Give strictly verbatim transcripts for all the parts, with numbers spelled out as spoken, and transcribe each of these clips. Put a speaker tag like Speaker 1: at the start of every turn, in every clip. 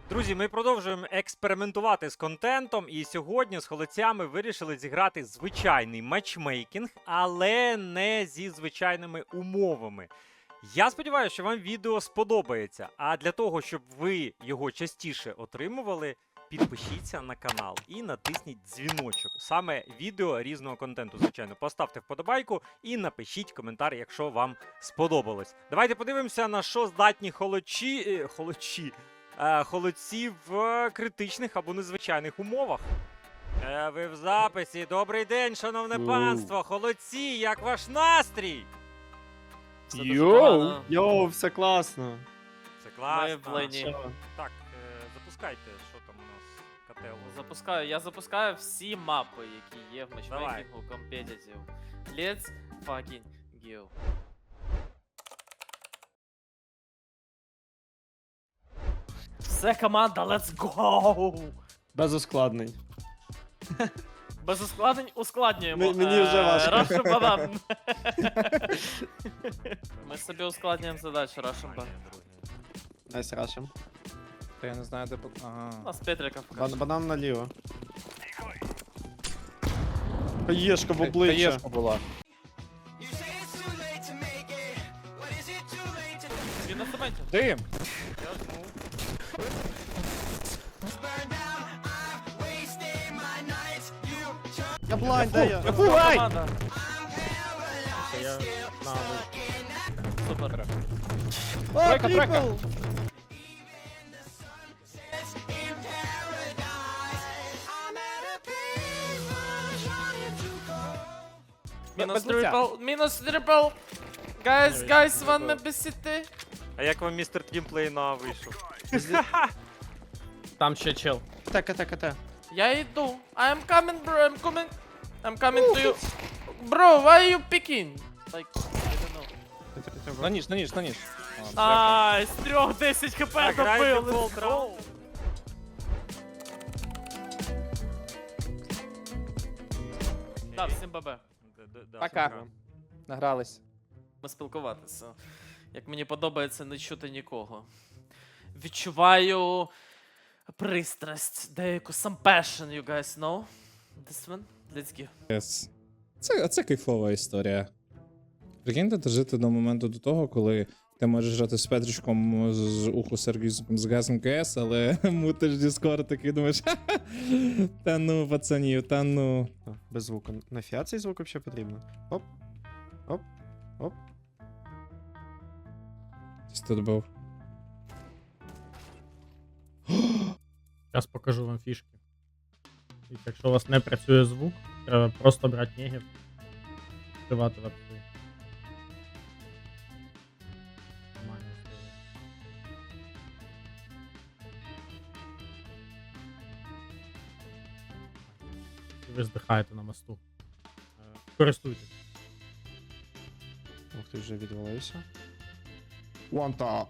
Speaker 1: Друзі, ми продовжуємо експериментувати з контентом, і сьогодні з холодцями вирішили зіграти звичайний матчмейкінг, але не зі звичайними умовами. Я сподіваюся, що вам відео сподобається, а для того, щоб ви його частіше отримували, підпишіться на канал і натисніть дзвіночок. Саме відео різного контенту, звичайно. Поставте вподобайку і напишіть коментар, якщо вам сподобалось. Давайте подивимося, на що здатні холодчі... е, холодчі... е, холодці в критичних або незвичайних умовах. Е, ви в записі. Добрий день, шановне
Speaker 2: Оу.
Speaker 1: панство. Холодці, як ваш настрій?
Speaker 3: Все дуже
Speaker 2: Йоу,
Speaker 3: погано.
Speaker 2: йоу, все класно.
Speaker 1: Це класно.
Speaker 3: Ми в лені.
Speaker 2: Що?
Speaker 1: Так, е, запускайте, що там у нас котел.
Speaker 3: Запускаю, я запускаю всі мапи, які є в матчмейкінгу Competitive. Let's fucking go. Все, команда, let's go!
Speaker 2: Без ускладнень.
Speaker 3: Без ускладнень ускладнюємо.
Speaker 2: М- мені вже
Speaker 3: Е,
Speaker 2: важко.
Speaker 3: Russian банан. Ми собі ускладнюємо задачу Russian банан.
Speaker 2: Найс рашим.
Speaker 4: Та я не знаю, де по...
Speaker 3: У
Speaker 4: Ага.
Speaker 3: нас Петрика
Speaker 2: Бан
Speaker 3: покаже.
Speaker 2: банан наліво. Хаєшка в обличчя.
Speaker 4: Таєшка була.
Speaker 3: Він на цементі.
Speaker 4: Дим!
Speaker 2: Я блайн, де я?
Speaker 3: Ай! Команда.
Speaker 4: Я на
Speaker 3: Супер.
Speaker 2: О,
Speaker 4: Тройка, тройка.
Speaker 2: трипл!
Speaker 3: Мінус
Speaker 4: без лиця.
Speaker 3: трипл, мінус трипл. Гайс, гайс, ван ме бесіти.
Speaker 1: А як вам містер Твімплейна вийшов?
Speaker 4: Там ще чел.
Speaker 2: Ката, ката, ката.
Speaker 3: Я йду. I am coming, bro, I'm coming. I'm coming to you. Bro, why are you picking? Like, I don't know.
Speaker 4: На ніж, на ніж, на ніж.
Speaker 3: Ай, з трьох десять хп
Speaker 1: Так, грайте
Speaker 3: добив.
Speaker 1: в болт
Speaker 3: let's
Speaker 1: раунд.
Speaker 3: go. Да, всім бабе.
Speaker 1: Д- д- да,
Speaker 4: Пока.
Speaker 1: все,
Speaker 4: Награлись.
Speaker 3: Ми спілкуватися. Як мені подобається не чути нікого. Відчуваю пристрасть, деяку some passion, you guys know. This one? Let's go.
Speaker 5: Yes. Це, це кайфова історія. Прикиньте, дожити до моменту до того, коли ти можеш грати з Петричком з уху сервісом з газом КС, але мутиш Discord такий думаєш, «Ха-ха, та ну, пацанів, та ну.
Speaker 2: А, без звуку. На фіа цей звук взагалі потрібно. Оп. Оп. Оп.
Speaker 5: Хтось тут був.
Speaker 6: Зараз покажу вам фішки. І якщо у вас не працює звук, треба просто брати негів, відкривати веб. Нормально історія. І ви здихаєте на мосту. Е, Користуйтесь.
Speaker 2: Ух ти, вже відвалився. Ванта.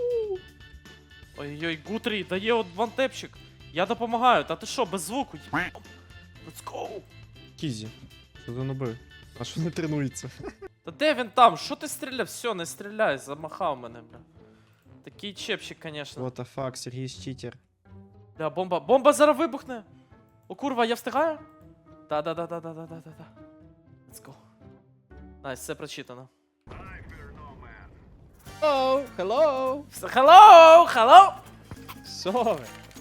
Speaker 3: Ой-ой, Гутрі, дає от вантепчик. Я допомагаю, та ти що, без звуку? Є- Let's go!
Speaker 2: Кізі. Що за ноби? А що не тренується?
Speaker 3: Та де він там? Що ти стріляв? Все, не стріляй, замахав мене, бля. Такий чепчик, конечно.
Speaker 2: What the fuck, Сергій читер.
Speaker 3: Да, бомба. Бомба зараз вибухне. О, курва, я встигаю? Да-да-да-да-да-да-да-да. Let's go. Найс, все прочитано.
Speaker 4: Hello, hello!
Speaker 3: Hello, hello!
Speaker 4: Що ви?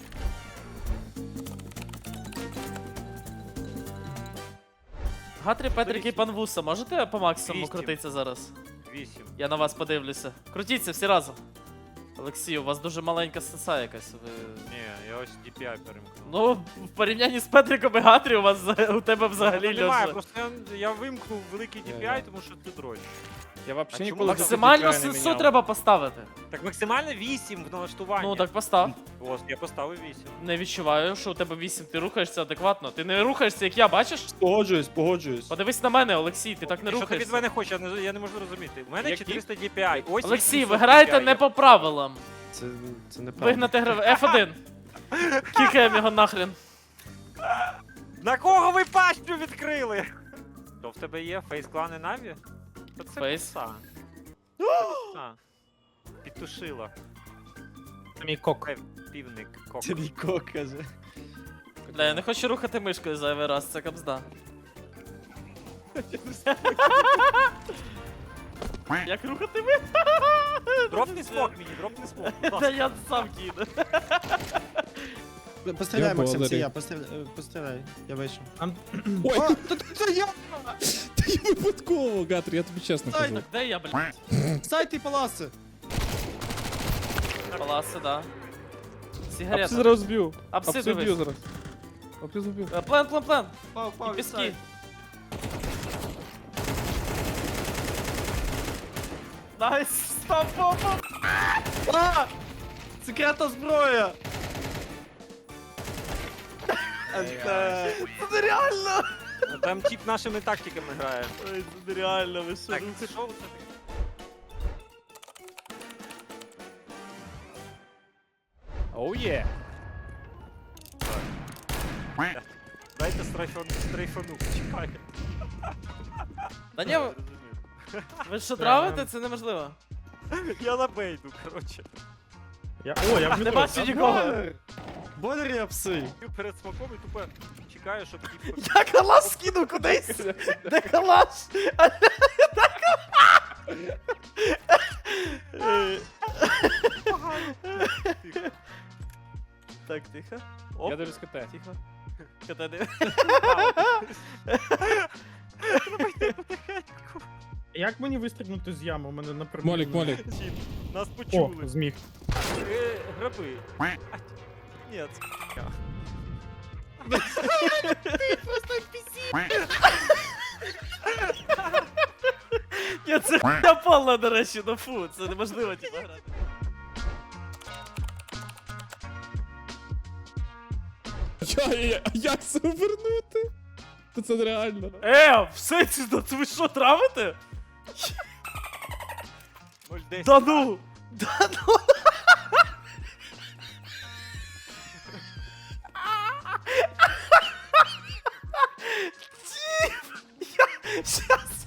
Speaker 3: Гатрі, Петрик і пан Вуса, можете по максимуму
Speaker 1: Вісім.
Speaker 3: крутитися зараз?
Speaker 1: Вісім.
Speaker 3: Я на вас подивлюся. Крутіться всі разом. Олексій, у вас дуже маленька сеса якась. Ви...
Speaker 1: Ні, я ось ді пі ай перемкнув.
Speaker 3: Ну, в порівнянні з Петриком і Гатрі у вас взаг- у тебе взагалі
Speaker 1: Ну, немає,
Speaker 3: льоша.
Speaker 1: просто я, я вимкнув великий ді пі ай, тому що це дрочь.
Speaker 5: Я
Speaker 1: А
Speaker 5: взагалі
Speaker 1: чому
Speaker 5: ніколи
Speaker 1: так?
Speaker 3: Максимальну
Speaker 5: ді пі ай не
Speaker 3: сесу
Speaker 5: міняв.
Speaker 3: треба поставити.
Speaker 1: Так максимально вісім в налаштуванні.
Speaker 3: Ну, так постав.
Speaker 1: Ось, я поставив вісім.
Speaker 3: Не відчуваю, що у тебе вісім, ти рухаєшся адекватно. Ти не рухаєшся, як я, бачиш?
Speaker 2: Погоджуюсь, погоджуюсь.
Speaker 3: Подивись на мене, Олексій, ти так не
Speaker 1: Що ти від
Speaker 3: рухаєшся.
Speaker 1: мене хочеш? Я не, я не можу зрозуміти. У мене
Speaker 2: Які?
Speaker 1: чотириста ді пі ай. Ось
Speaker 3: Олексій,
Speaker 1: вісімсот
Speaker 3: ви граєте
Speaker 1: ді пі ай.
Speaker 3: не по правилам.
Speaker 2: Це, це неправда.
Speaker 3: Вигнати гра... еф один. Кікаємо його нахрен.
Speaker 1: На кого ви пащу відкрили? То в тебе є фейс клани Наві? То це
Speaker 3: Фейс?
Speaker 1: пса. Це пса. Підтушила.
Speaker 6: Це мій кок.
Speaker 1: Пев- Півник, кок.
Speaker 2: Це мій кок, каже.
Speaker 3: Бля, я не хочу рухати мишкою зайвий раз, це капзда. Як рухати ми?
Speaker 1: Дропни смок мені, дропни смок. будь
Speaker 3: Та
Speaker 1: ласка.
Speaker 3: я сам кину.
Speaker 2: Постріляй,
Speaker 5: Я
Speaker 2: Максим, це
Speaker 5: благодарю.
Speaker 2: я, постріляй, е, постріляй, я вийшов.
Speaker 5: Ой,
Speaker 2: А, та це я!
Speaker 5: та я випадково, Гатр, я тобі чесно
Speaker 2: Ай,
Speaker 5: кажу.
Speaker 3: Так де я, блядь?
Speaker 2: Стай ти паласи!
Speaker 3: Паласи, да.
Speaker 4: Апси
Speaker 3: Сигарета.
Speaker 4: зараз зб'ю.
Speaker 3: Апси
Speaker 4: Апси зб'ю
Speaker 3: дивись.
Speaker 4: зараз. Апси зб'ю.
Speaker 3: Е, Плен, плен, плен.
Speaker 2: Пав,
Speaker 3: І
Speaker 2: пав,
Speaker 3: піски.
Speaker 2: відстай.
Speaker 3: Найс, стоп, стоп, стоп.
Speaker 2: А! Секретна зброя! Анте.
Speaker 3: Це нереально.
Speaker 1: Ну, Там тип нашими тактиками грає.
Speaker 3: Ой, це нереально, ви що?
Speaker 1: Так, це що це таке?
Speaker 4: Оу є.
Speaker 1: Дайте стрейфон, стрейфану, чекай.
Speaker 3: Та ні, ви- ви що травите? Це неможливо.
Speaker 1: Я на бейду, коротше.
Speaker 6: Я... О, я в
Speaker 3: Не
Speaker 6: метро.
Speaker 3: бачу нікого.
Speaker 2: Бойлер! Бойлер і апси!
Speaker 1: Я перед смаком і тупо чекаю, щоб тип...
Speaker 3: Я калаш скинув кудись. Де калаш? Е, Так, тихо. Оп,
Speaker 4: Я дивлюсь КТ.
Speaker 3: тихо. Катани.
Speaker 6: Як мені вистрибнути з ями? У мене напряму.
Speaker 5: Молік, молік.
Speaker 1: Тип, нас
Speaker 6: О,
Speaker 1: почули.
Speaker 6: зміг.
Speaker 1: Е, Граби. А, Ні, це...
Speaker 3: Ні, це хуйня повна, до речі, ну фу, це неможливо типа грати.
Speaker 5: Я, я, а як це повернути? Та це нереально.
Speaker 3: Е, все це, да це ви що, травите?
Speaker 1: нуль десять.
Speaker 3: Да ну! Да ну! Тип! Я щас...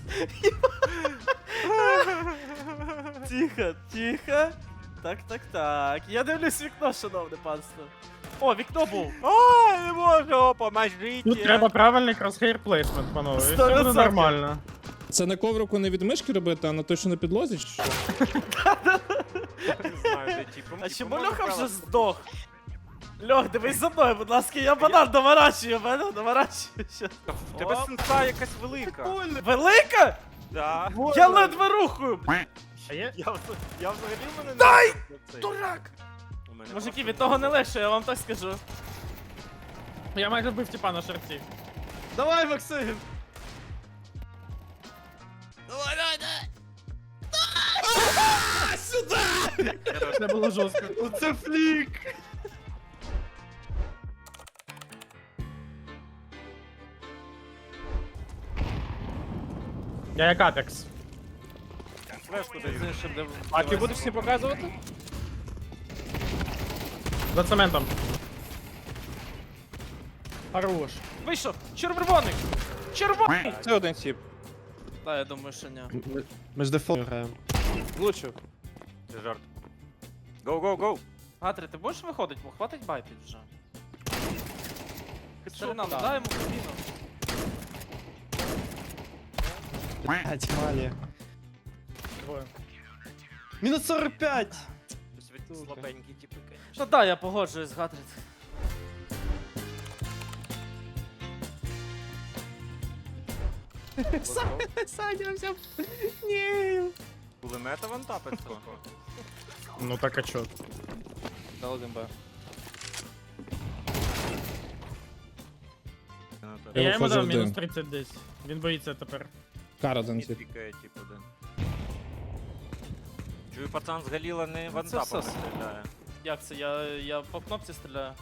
Speaker 3: Тихо, тихо. Так, так, так. Я дивлюсь вікно, шановне панство. О, вікно був.
Speaker 1: Ой, не можу, поможіть.
Speaker 6: Тут треба правильний crosshair placement, панове. І все
Speaker 3: Сто
Speaker 6: буде
Speaker 3: відсотків.
Speaker 6: нормально.
Speaker 5: Це на коврику не від мишки робити, а на той, що на підлозі? чи що?
Speaker 1: Не знаю, де тип.
Speaker 3: А чому Льоха вже здох? Льох, дивись за мною, будь ласка, я банан доворачую, банан доворачую. Щас.
Speaker 1: В тебе сенса якась велика.
Speaker 3: Велика?
Speaker 1: Да.
Speaker 3: Я ледве рухаю.
Speaker 6: А є?
Speaker 1: Я, вз- я взагалі в мене не...
Speaker 3: Дай!
Speaker 1: Цей.
Speaker 3: Дурак!
Speaker 1: У мене
Speaker 3: Мужики,
Speaker 1: просто
Speaker 3: від того не легше, я вам так скажу.
Speaker 6: Я майже вбив тіпа на шарці.
Speaker 2: Давай, Максим!
Speaker 6: Це було жорстко.
Speaker 2: Оце флік!
Speaker 6: Я як Апекс.
Speaker 1: флешку даю.
Speaker 4: А ти будеш всі показувати?
Speaker 6: За цементом. Хорош.
Speaker 3: Вийшов! Червоний! Червоний!
Speaker 4: Це один тип.
Speaker 3: Да, я думаю, що ні.
Speaker 2: Ми ж дефолт граємо.
Speaker 4: Влучив.
Speaker 1: Це жарт. Гоу, гоу, гоу.
Speaker 3: Гатрі, ти будеш виходити? Бо хватить байтить вже. Старина,
Speaker 4: да.
Speaker 3: дай йому кабіну.
Speaker 2: Блять, малі.
Speaker 6: Двоє.
Speaker 2: Мінус сорок п'ять!
Speaker 1: Щось слабенькі типи, конечно.
Speaker 3: Ну да, я погоджуюсь з Гатрід.
Speaker 2: Саня взяв. Ні.
Speaker 1: Кулемета вантапить трохи.
Speaker 6: Ну так а чо?
Speaker 4: Дал один Б.
Speaker 5: Я
Speaker 6: Я йому
Speaker 5: виходжу
Speaker 6: дав
Speaker 5: в
Speaker 6: мінус
Speaker 5: дим.
Speaker 6: тридцять десь. Він боїться тепер.
Speaker 5: Караден
Speaker 1: Мід
Speaker 5: тип.
Speaker 1: пікає, тип один. Чую, пацан з Галіла не
Speaker 3: це
Speaker 1: вантапами
Speaker 3: все.
Speaker 1: стріляє.
Speaker 3: Як це? Я, я по кнопці стріляю.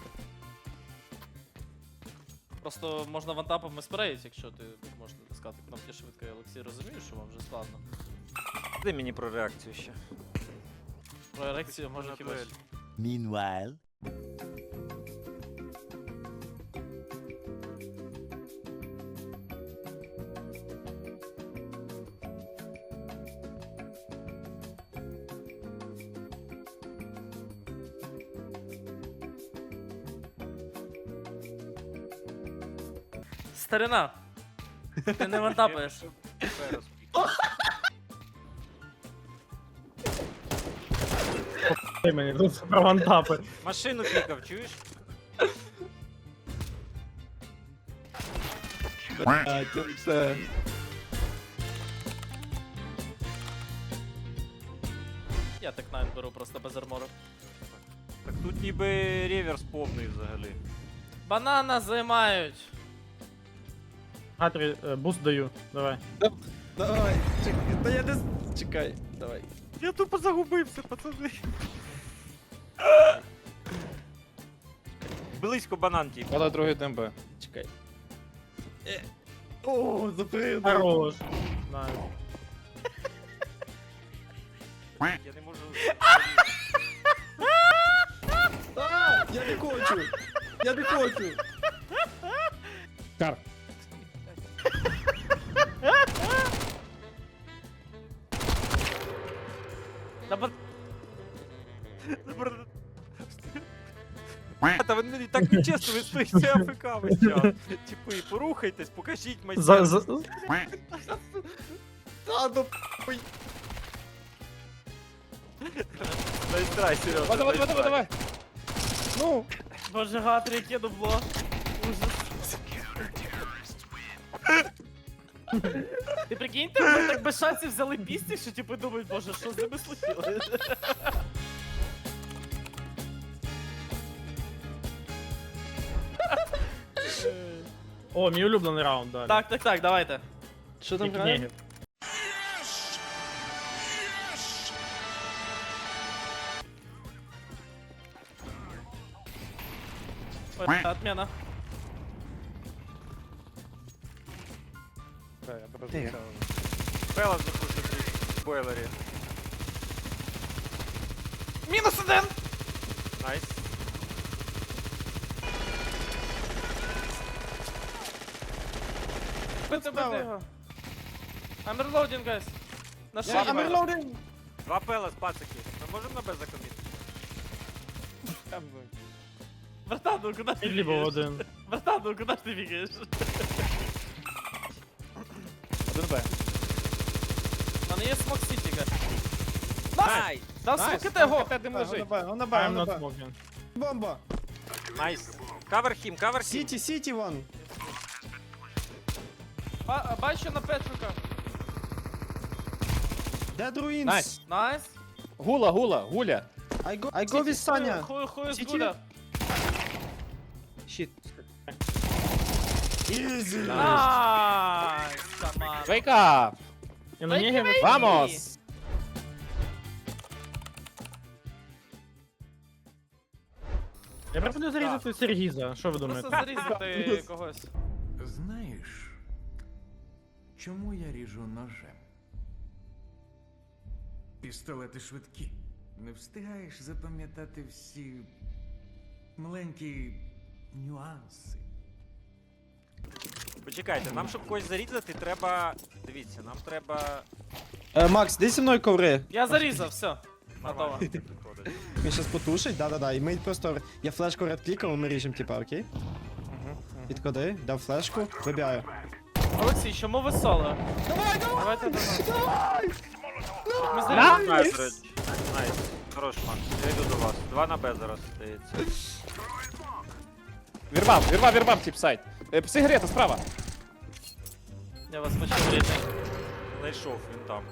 Speaker 3: Просто можна вантапами спреїти, якщо ти можеш натискати кнопки швидко. Я Олексій розумію, що вам вже складно.
Speaker 1: Дай мені про реакцію ще.
Speaker 3: Про ерекцію може
Speaker 1: На
Speaker 3: хіба.
Speaker 1: дуель.
Speaker 7: Meanwhile.
Speaker 3: Старина. Ти не вантапаєш.
Speaker 6: Ти мені тут про вантапи.
Speaker 1: Машину пікав, чуєш?
Speaker 3: Я так найн беру просто без армору.
Speaker 1: Так тут ніби реверс повний взагалі.
Speaker 3: Банана займають.
Speaker 6: Гатрі, е, буст даю. Давай.
Speaker 2: Давай, чекай, та я не... з- Чекай, давай.
Speaker 1: Я тупо загубився, пацани. Близько банан тіп.
Speaker 4: Але другий ДМБ.
Speaker 2: Чекай. Е. О, запрыгнув.
Speaker 6: Хорош. Найс.
Speaker 1: Я не можу.
Speaker 2: А, я не хочу. Я не хочу.
Speaker 5: Кар.
Speaker 3: Та ба-
Speaker 1: Та ви не так нечесно, ви стоїте АФК весь час. Типи, порухайтесь, покажіть
Speaker 6: За,
Speaker 1: майстерність.
Speaker 6: за...
Speaker 2: Та, ну,
Speaker 1: Найстрай, Сережа.
Speaker 4: Давай, давай, давай, давай.
Speaker 2: ну.
Speaker 3: Боже, Гатрі, яке дубло. Ужас. Ти прикиньте, ми так без шансів взяли пісні, що типу думають, боже, що з ними случилось?
Speaker 6: О, мій улюблений раунд, далі.
Speaker 3: Так, так, так, давайте.
Speaker 2: Що там
Speaker 6: Тільки
Speaker 2: грає?
Speaker 6: негів.
Speaker 3: Ой, отмена.
Speaker 4: Так, я тебе
Speaker 2: Тихо.
Speaker 4: зустрічав.
Speaker 1: Пела запустити в бойлері.
Speaker 3: Мінус один!
Speaker 1: Найс.
Speaker 3: Бити, бити його. I'm reloading, guys. На шиї.
Speaker 2: I'm reloading.
Speaker 1: Два пела з пацаки. Ми можемо на Б закоміти?
Speaker 4: Там, ну,
Speaker 3: Братан, ну куди ж ти
Speaker 6: Підлі був
Speaker 3: бігаєш?
Speaker 6: один.
Speaker 3: Братан, ну куди ж ти бігаєш?
Speaker 4: Один Б.
Speaker 3: У мене є смок сіті, guys.
Speaker 1: Найс!
Speaker 3: Дав
Speaker 4: Найс,
Speaker 3: смокити
Speaker 4: там
Speaker 3: його!
Speaker 4: КТ дим
Speaker 2: Он
Speaker 4: лежить.
Speaker 2: на Б, он на Б,
Speaker 6: I'm
Speaker 2: он на
Speaker 6: not
Speaker 2: Б.
Speaker 6: smoking.
Speaker 2: Бомба.
Speaker 1: Найс. Кавер хім, кавер хім.
Speaker 2: Сіті, сіті, вон.
Speaker 3: Ба- Бачу на Петрика.
Speaker 2: Dead Ruins.
Speaker 4: Найс.
Speaker 3: Найс.
Speaker 4: Гула, гула, гуля.
Speaker 2: I go, I go with Саня.
Speaker 3: Хую, хую з
Speaker 2: Сіті.
Speaker 3: Гуля.
Speaker 2: Щит. Easy.
Speaker 3: Найс, команда.
Speaker 4: Wake up!
Speaker 6: І на негів...
Speaker 4: Vamos!
Speaker 6: Я пропоную зарізати Сергіза. Що ви
Speaker 3: Просто
Speaker 6: думаєте?
Speaker 3: зарізати когось.
Speaker 7: Знаєш, чому я ріжу ножем? Пістолети швидкі. Не встигаєш запам'ятати всі маленькі нюанси.
Speaker 1: Почекайте, нам щоб когось зарізати, треба. Дивіться, нам треба.
Speaker 2: Е, Макс, де зі мною коври?
Speaker 3: Я зарізав, все. Готово.
Speaker 1: Нормально підходить.
Speaker 2: Він щас потушить, да-да-да. І ми просто... Я флешку редклікав, ми ріжемо, типа, окей? Підходи, дав флешку, вибігаю.
Speaker 3: Олексій, чому ви соло? Давай, давай! Давайте до нас. Ми
Speaker 1: Найс,
Speaker 3: зарізали.
Speaker 1: Найс, Ред. Найс. Хорош, Макс. Я йду до вас. Два на Б зараз стається.
Speaker 4: Вірвав, вірвав, вірвав, тип сайт. Е, Сигарета справа.
Speaker 3: Я вас почув, рідний.
Speaker 1: Знайшов, він там.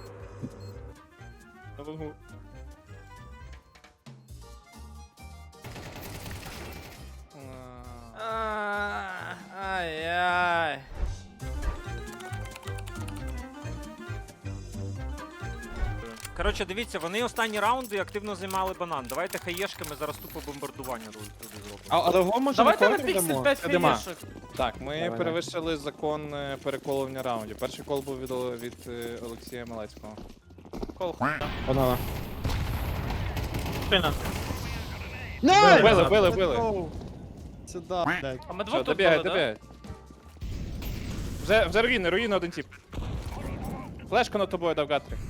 Speaker 3: А, Ай-яй.
Speaker 1: Коротше, дивіться, вони останні раунди активно займали банан. Давайте хаєшками зараз тупо бомбардування туди зробимо.
Speaker 2: А, але го може
Speaker 3: Давайте на
Speaker 2: контр
Speaker 3: піксель
Speaker 2: дамо?
Speaker 3: п'ять
Speaker 4: Дима.
Speaker 3: хаєшок.
Speaker 4: Так, ми
Speaker 2: Давай,
Speaker 4: перевищили закон е, переколування раундів. Перший кол був від, Ол- від е, Олексія Малецького.
Speaker 3: Кол хуя.
Speaker 2: Погнала.
Speaker 6: Спина.
Speaker 2: Найс!
Speaker 4: Били, били, били.
Speaker 2: Let's go. Сюда, блядь.
Speaker 3: А ми
Speaker 4: Все,
Speaker 3: двох тут
Speaker 4: добігай,
Speaker 3: були, да?
Speaker 4: добігай. Вже, вже руїни, руїни один тип. Флешка над тобою дав Гатрі.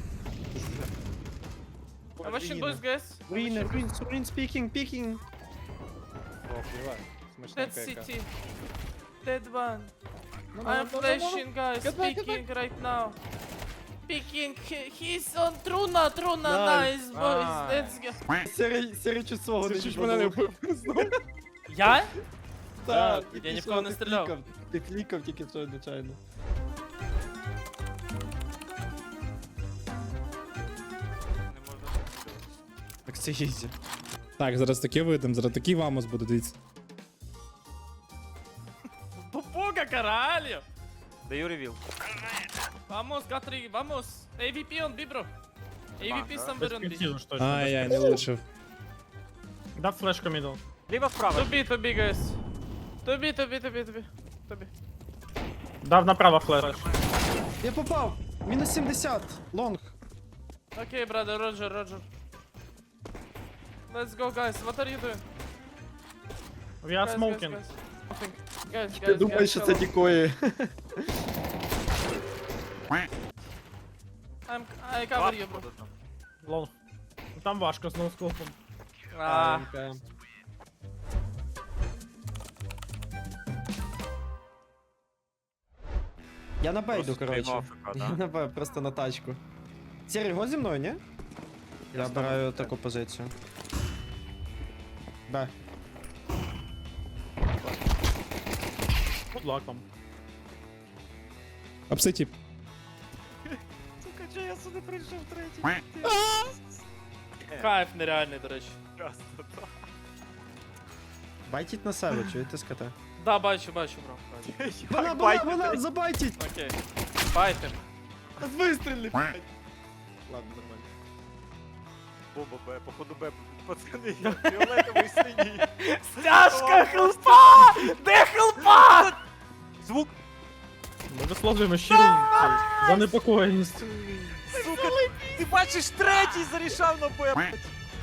Speaker 3: А machine boys, guys.
Speaker 2: Руїни, руїн, руїн, спікінг, пікінг.
Speaker 4: О, плівай.
Speaker 3: Dead
Speaker 4: Смачненька яка.
Speaker 3: City. Dead one. I'm flashing, guys.
Speaker 4: Get back, get
Speaker 3: Peeking right now. Peeking. He- He's on Truna. Truna.
Speaker 2: Nice.
Speaker 3: Nice, boys.
Speaker 4: Ah.
Speaker 3: Let's go.
Speaker 2: Сірий, сірий чуть свого
Speaker 4: Ти ж мене не вбив.
Speaker 3: Я?
Speaker 2: Так,
Speaker 3: Я
Speaker 2: ти
Speaker 3: ні в
Speaker 2: що,
Speaker 3: кого не
Speaker 2: ти
Speaker 3: стріляв.
Speaker 2: клікав, Ти клікав тільки що, звичайно. Так це ізі.
Speaker 5: Так, зараз таке видим, зараз такий вамос буде, дивіться.
Speaker 3: Пупуга, caralho.
Speaker 1: Даю ревіл.
Speaker 3: Vamos, Gatri. Vamos. A V P on B, bro. A V P somewhere on B.
Speaker 6: Перспективу ж точно.
Speaker 5: Ай, яй, не влучив.
Speaker 6: Дав флешку мідл.
Speaker 1: Ліва справа.
Speaker 3: To B, to B, guys. To B, to B, to B, to B. To B.
Speaker 6: Дав направо флеш.
Speaker 2: Я попав! Мінус сімдесят! Лонг!
Speaker 3: Okay, brother. Roger, Roger. Let's go, guys. What are you doing?
Speaker 6: We are
Speaker 3: Guys,
Speaker 6: smoking.
Speaker 3: Guys, guys. Smoking. Guys, guys,
Speaker 2: Я думаю,
Speaker 3: guys,
Speaker 2: що це
Speaker 3: hello.
Speaker 2: дікої.
Speaker 3: I'm, I cover you, bro.
Speaker 6: Лол. Ну там важко з ноускопом.
Speaker 3: Ah.
Speaker 2: Я на Б йду, коротше.
Speaker 1: Приймав ФК,
Speaker 2: Я
Speaker 1: да?
Speaker 2: на Б, просто на тачку. Сірий, го зі мною, ні? Я обираю таку позицію. Б.
Speaker 6: Good luck вам.
Speaker 5: Апсетіп.
Speaker 1: Сука, чи я сюди прийшов третій?
Speaker 3: Кайф нереальний, до речі.
Speaker 2: Байтіть на себе, чуєте скота?
Speaker 3: Да, бачу, бачу, бро. Бачу.
Speaker 2: Вона, вона, вона, забайтіть!
Speaker 3: Окей. Байтим.
Speaker 2: Вистрілі! Ладно, нормально.
Speaker 1: Боба Б, походу Б, пацани, я фіолетовий синій.
Speaker 3: Стяжка хелпа! Де хелпа?
Speaker 1: Звук,
Speaker 6: Ми висловлюємо щиру занепокоєність.
Speaker 1: сука, ти бачиш, третій зарішав на Б, блядь.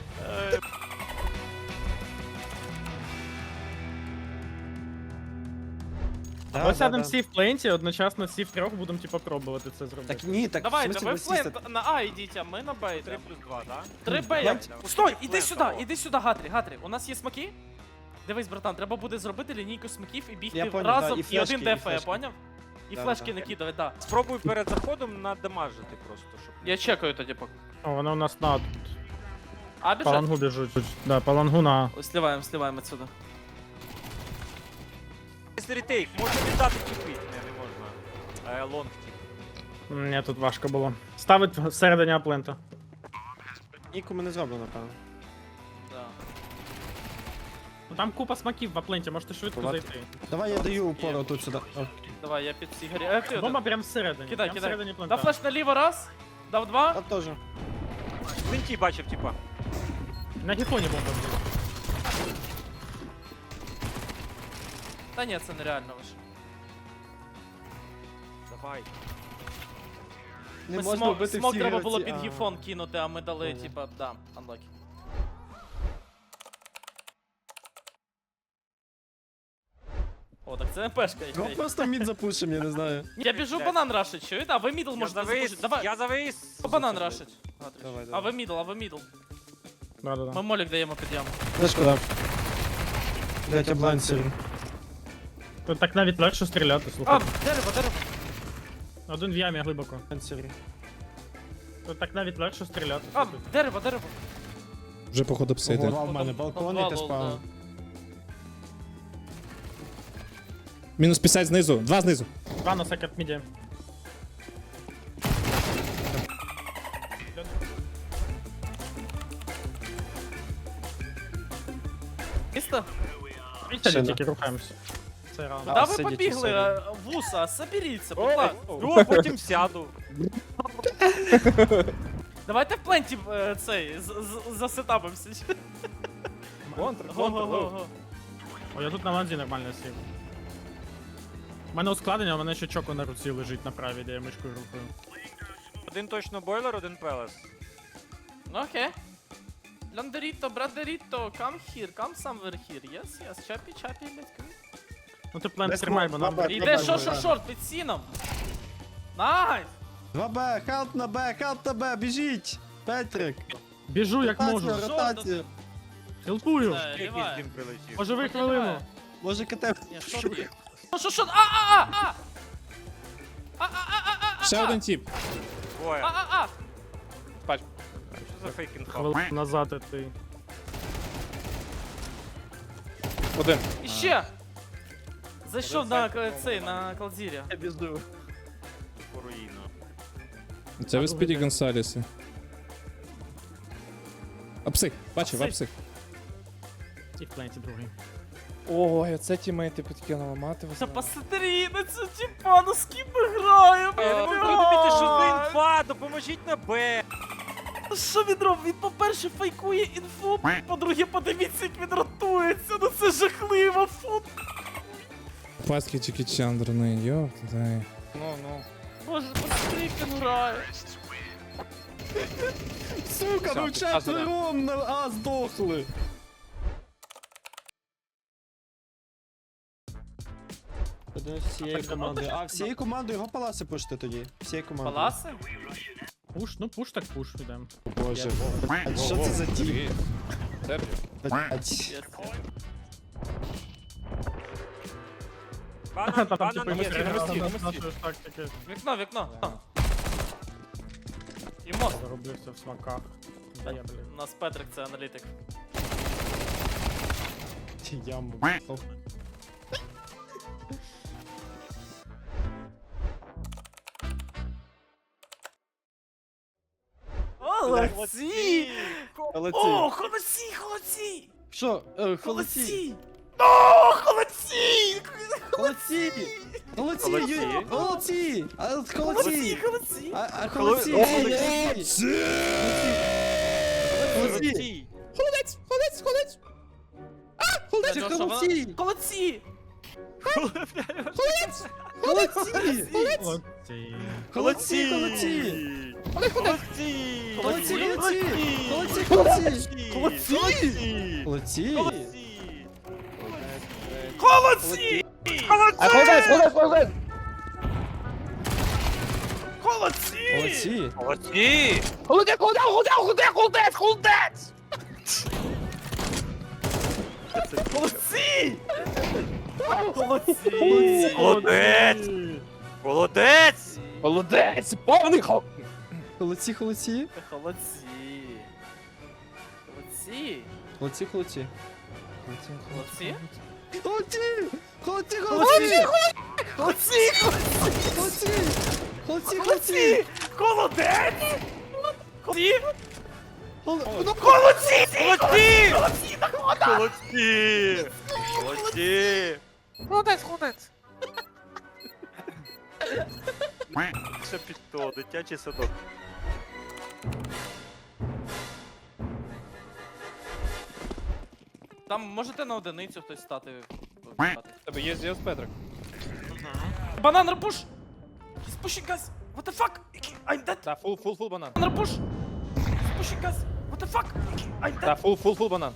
Speaker 2: Да,
Speaker 6: Ми
Speaker 2: да,
Speaker 6: сядемо
Speaker 2: да.
Speaker 6: всі в пленті, одночасно всі втрьох будемо типа пробувати це зробити.
Speaker 2: Так ні, так в
Speaker 3: Давайте,
Speaker 2: смысле
Speaker 3: ви
Speaker 2: ви
Speaker 3: в
Speaker 2: сісти?
Speaker 3: флент на А йдіть, а ми на Б
Speaker 1: Три
Speaker 3: йдемо.
Speaker 1: плюс два, да?
Speaker 3: Три Б.
Speaker 2: Давай.
Speaker 3: Стой, іди
Speaker 1: Флент,
Speaker 3: сюди,
Speaker 1: алло.
Speaker 3: іди сюди, Гатрі, Гатрі. У нас є смаки? Дивись, братан, треба буде зробити лінійку смаків і бігти
Speaker 2: Я поняв,
Speaker 3: разом
Speaker 2: да, і
Speaker 3: і
Speaker 2: флешки,
Speaker 3: один
Speaker 2: і
Speaker 3: ДФ, я
Speaker 2: флешки.
Speaker 3: поняв? І
Speaker 2: Да,
Speaker 3: флешки
Speaker 2: да.
Speaker 3: накидувати, да.
Speaker 1: Спробуй перед заходом надамажити просто, щоб...
Speaker 3: Я чекаю тоді поки.
Speaker 6: О, вони у нас на
Speaker 3: А,
Speaker 6: по
Speaker 3: біжать?
Speaker 6: лангу біжуть. Да, по лангу на.
Speaker 3: Ось сливаємо, сливаємо отсюда.
Speaker 1: Якщо ретейк, можна віддати тіпи. Не, не можна. Е, лонг тіп.
Speaker 6: Ні, тут важко було. Ставить всередині аплента.
Speaker 2: Ніку ми не зробимо, напевно.
Speaker 3: Да.
Speaker 6: Ну там купа смаків в апленті, можете швидко
Speaker 2: Бувати.
Speaker 6: зайти.
Speaker 2: Давай я даю упору тут сюди. О,
Speaker 3: Давай, я під всі горі. Е, ти
Speaker 6: Бомба
Speaker 3: один.
Speaker 6: прям всередині.
Speaker 3: Кидай,
Speaker 6: прям
Speaker 3: кидай.
Speaker 6: всередині плента.
Speaker 3: Дав флеш наліво раз, дав два.
Speaker 2: Там теж.
Speaker 1: В Винті бачив, типа.
Speaker 6: На гіфоні бомба. блін.
Speaker 3: Та ні, це нереально лише.
Speaker 1: Давай.
Speaker 2: Не
Speaker 3: Ми
Speaker 2: можна
Speaker 3: смок,
Speaker 2: вбити
Speaker 3: смок
Speaker 2: всі
Speaker 3: треба
Speaker 2: гравці.
Speaker 3: було під
Speaker 2: А.
Speaker 3: гіфон кинути, а ми дали,
Speaker 2: Понял.
Speaker 3: типа, да, unlucky. О, так це МПшка.
Speaker 2: Ну
Speaker 3: якась.
Speaker 2: просто мід запушим, я не знаю.
Speaker 3: Я біжу банан рашить, чуєте? А ви мідл
Speaker 1: Я
Speaker 3: можете
Speaker 1: завис,
Speaker 3: запушити. Давай,
Speaker 1: я завис.
Speaker 3: банан рашить.
Speaker 2: Давай,
Speaker 3: А
Speaker 2: давай.
Speaker 3: ви мідл, а ви мідл.
Speaker 6: Да, да,
Speaker 3: Ми
Speaker 6: да.
Speaker 3: молік даємо під яму.
Speaker 2: Флешку дав. Блять, я блайн сірий.
Speaker 6: Тут так навіть легше стріляти,
Speaker 3: А,
Speaker 6: слухай.
Speaker 3: дерево, дерево.
Speaker 6: Один в ямі глибоко.
Speaker 2: Блайн сірий.
Speaker 6: Тут так навіть легше стріляти.
Speaker 3: А,
Speaker 6: слухай.
Speaker 3: дерево, дерево.
Speaker 5: Вже походу псити.
Speaker 2: Ого, в мене балкон і ти спав.
Speaker 5: Мінус п'ятдесят знизу, два знизу.
Speaker 6: Два на секрет міді.
Speaker 3: Місто?
Speaker 6: І
Speaker 2: Ще
Speaker 6: сядь,
Speaker 2: не.
Speaker 6: тільки рухаємося. Це раунд.
Speaker 2: А,
Speaker 3: Да ви
Speaker 2: сидіть,
Speaker 3: побігли,
Speaker 2: сидіть.
Speaker 3: а, вуса, соберіться, будь ласка.
Speaker 1: Ну, а потім сяду.
Speaker 3: Давайте в пленті е, цей, з- з- засетапимося.
Speaker 4: Контр, контр, лоу.
Speaker 3: Го-го-го.
Speaker 6: О, я тут на ланзі нормально сів. У мене ускладнення, а у мене ще чоко на руці лежить на правій, де я мишкою рухаю.
Speaker 1: Один точно бойлер, один пелес.
Speaker 3: Ну окей. Ландеріто, брадеріто, come here, come somewhere here. Yes, yes, чапі, чапі, let's go.
Speaker 6: Ну ти плент
Speaker 2: Десь
Speaker 6: тримай, бо
Speaker 2: мов,
Speaker 6: нам...
Speaker 2: баба.
Speaker 3: Іде
Speaker 2: Добре,
Speaker 3: шо, шо,
Speaker 2: добре.
Speaker 3: шорт під сіном. Найс!
Speaker 2: два Б, хелп на Б, хелп на Б, біжіть! Петрик!
Speaker 6: Біжу як можу.
Speaker 2: Ротація, ротація!
Speaker 6: Хелпую.
Speaker 3: Е,
Speaker 1: Якийсь
Speaker 3: ліває.
Speaker 1: дим прилетів.
Speaker 6: Поживи
Speaker 3: Ні,
Speaker 6: хвилину.
Speaker 3: ліває.
Speaker 2: Може КТ.
Speaker 3: Ні, шорт є. Шо, шо, шо, а, а, а, а!
Speaker 5: Ще один тіп.
Speaker 1: Двоє.
Speaker 3: А-а-а!
Speaker 4: Бач.
Speaker 1: Що за фейкінг?
Speaker 6: Хвилину назад і ти.
Speaker 4: Один.
Speaker 3: І ще! Зайшов на к- цей, на Калдзірі.
Speaker 2: Я безду.
Speaker 1: По руїну.
Speaker 5: Це ви Спіді Гонсаліси. Апсих, бачив,
Speaker 3: Апсих.
Speaker 5: апсих.
Speaker 6: І в пленті другий.
Speaker 4: Ой, оце тімейти підкинули, мати
Speaker 3: Та посмотри на цю тіпа, ну з ким ми граємо?
Speaker 1: Я не можу зрозуміти, що за інфа, допоможіть на Б.
Speaker 3: Що він робить? Він, по-перше, фейкує інфу, по-друге, подивіться, як він ротується. Ну це жахливо, фу.
Speaker 5: Паски Чікі Чандр, ну йоп, дай.
Speaker 4: Ну, ну.
Speaker 3: Боже, посмотри, як він грає.
Speaker 2: Сука,
Speaker 4: Все,
Speaker 2: ну
Speaker 4: підказуй, да.
Speaker 2: четвером на А здохли. Один з всієї команди. А, всією командою його паласи пушти тоді. Всією командою.
Speaker 3: Паласи?
Speaker 6: Пуш, ну пуш так пуш, йдем.
Speaker 2: Боже. А що це за тіп?
Speaker 4: Серйозно?
Speaker 2: Блять.
Speaker 3: Єс.
Speaker 1: Банан,
Speaker 6: Та там
Speaker 1: банан
Speaker 6: типу
Speaker 1: є.
Speaker 4: на мості,
Speaker 6: на
Speaker 4: на мості.
Speaker 6: нашої ж тактики
Speaker 3: Вікно, вікно. І мост.
Speaker 6: заробився в смаках. Де я, блін.
Speaker 3: У нас Петрик це аналітик.
Speaker 2: Яму.
Speaker 3: Холодці!
Speaker 2: Холодці.
Speaker 3: О, холодці, холодці!
Speaker 2: Що? Е, Холодці.
Speaker 3: Холодці! О, холодці!
Speaker 2: Холодці. Холодці.
Speaker 1: Холодці.
Speaker 2: Ю- Холодці. А,
Speaker 3: Холодці,
Speaker 2: Холодці.
Speaker 3: холодці!
Speaker 2: А, а холодці.
Speaker 1: Холодці.
Speaker 2: Холодці. Холодці.
Speaker 5: Холодець, холодець, холодець.
Speaker 2: Це
Speaker 3: Що, що,
Speaker 2: холодці.
Speaker 3: Холодці!
Speaker 2: Холодці.
Speaker 6: Молодці.
Speaker 2: Холодці. Холодці.
Speaker 1: Холодці!
Speaker 2: Холодці. Холодці. Холодці. Холодці.
Speaker 1: Холодці!
Speaker 2: Холодці.
Speaker 3: Холодці!
Speaker 4: А холодець, холодець, холодець!
Speaker 3: Холодці!
Speaker 2: Холодці.
Speaker 1: Холодці!
Speaker 4: Холодець, холодець, холодець, холодець, холодець, холодець!
Speaker 3: Холодці! Холодці!
Speaker 1: Холодець! Холодець!
Speaker 4: Холодець, повний хол...
Speaker 2: Холодці. Холодці.
Speaker 3: Холодці! Холодці!
Speaker 2: Холодці. Холодці.
Speaker 3: Холодці!
Speaker 2: Холодці. Холодці. Холодці.
Speaker 3: Холодці!
Speaker 2: Холодці. Холодці.
Speaker 3: Холодці! Холодець! Холодці!
Speaker 2: Холодці.
Speaker 3: Холодці!
Speaker 1: Холодці!
Speaker 3: Холодці! Так вода!
Speaker 1: Холодці! Холодці!
Speaker 3: Холодець, холодець!
Speaker 1: Ще під то, дитячий садок.
Speaker 3: Там можете на одиницю хтось стати.
Speaker 4: Тебе є з'їзд Петрик.
Speaker 3: Банан рапуш! He's pushing us! What the fuck? I'm dead!
Speaker 4: Да, фул, фул, фул банан.
Speaker 3: Банан рапуш! He's pushing us! What the fuck? I'm dead!
Speaker 4: Да, фул, фул, фул банан.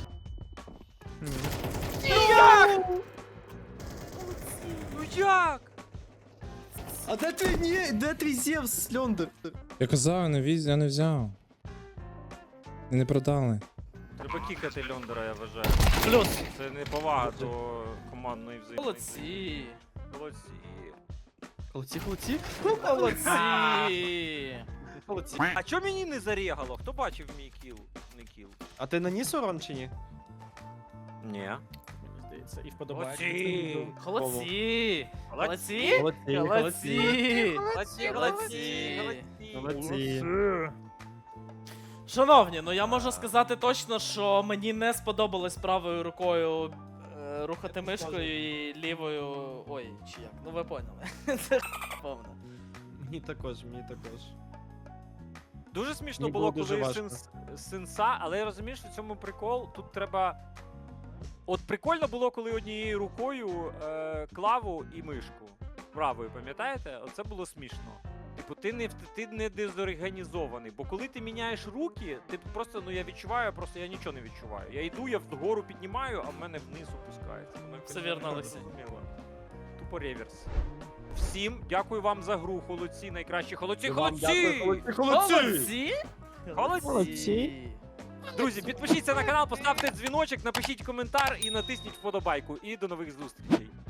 Speaker 1: Ну як?
Speaker 2: А де твій, ні, де твій Зевс, Льондер?
Speaker 5: Я казав, я не віз, я не взяв. І не продали.
Speaker 1: Треба кікати Льондера, я вважаю.
Speaker 3: Плюс!
Speaker 1: Це не повага до командної взаємодії.
Speaker 3: Молодці!
Speaker 1: Молодці.
Speaker 2: Холодці. Холодці.
Speaker 3: Молодці!
Speaker 2: Холодці.
Speaker 1: А чо мені не зарігало? Хто бачив мій кіл? Не кіл.
Speaker 2: А ти наніс урон чи ні?
Speaker 1: Ні.
Speaker 6: Мені здається, і вподобається.
Speaker 1: Молодці!
Speaker 3: Холодці!
Speaker 1: Молодці!
Speaker 3: Молодці! Молодці!
Speaker 1: Молодці! Молодці!
Speaker 2: Молодці.
Speaker 3: Шановні, ну я можу сказати точно, що мені не сподобалось правою рукою е, рухати мишкою і лівою. Ой, чи як? Ну ви поняли. Це повно.
Speaker 2: Мені також, мені також.
Speaker 1: Дуже смішно
Speaker 2: Мені
Speaker 1: було,
Speaker 2: було дуже
Speaker 1: коли
Speaker 2: важко.
Speaker 1: сенс, сенса, але я розумію, що в цьому прикол. Тут треба. От прикольно було, коли однією рукою е, клаву і мишку. Правою, пам'ятаєте? Оце було смішно. Типу, ти не, ти не дезорганізований, бо коли ти міняєш руки, ти просто, ну я відчуваю, просто я нічого не відчуваю. Я йду, я вгору піднімаю, а в мене вниз опускається. Воно якось
Speaker 3: Все вірно,
Speaker 1: не
Speaker 3: Олексій.
Speaker 1: зрозуміло. Тупо реверс. Всім дякую вам за гру, холодці, найкращі холодці, холодці!
Speaker 3: Холодці!
Speaker 2: Молодці.
Speaker 1: Друзі, підпишіться на канал, поставте дзвіночок, напишіть коментар і натисніть вподобайку. І до нових зустрічей.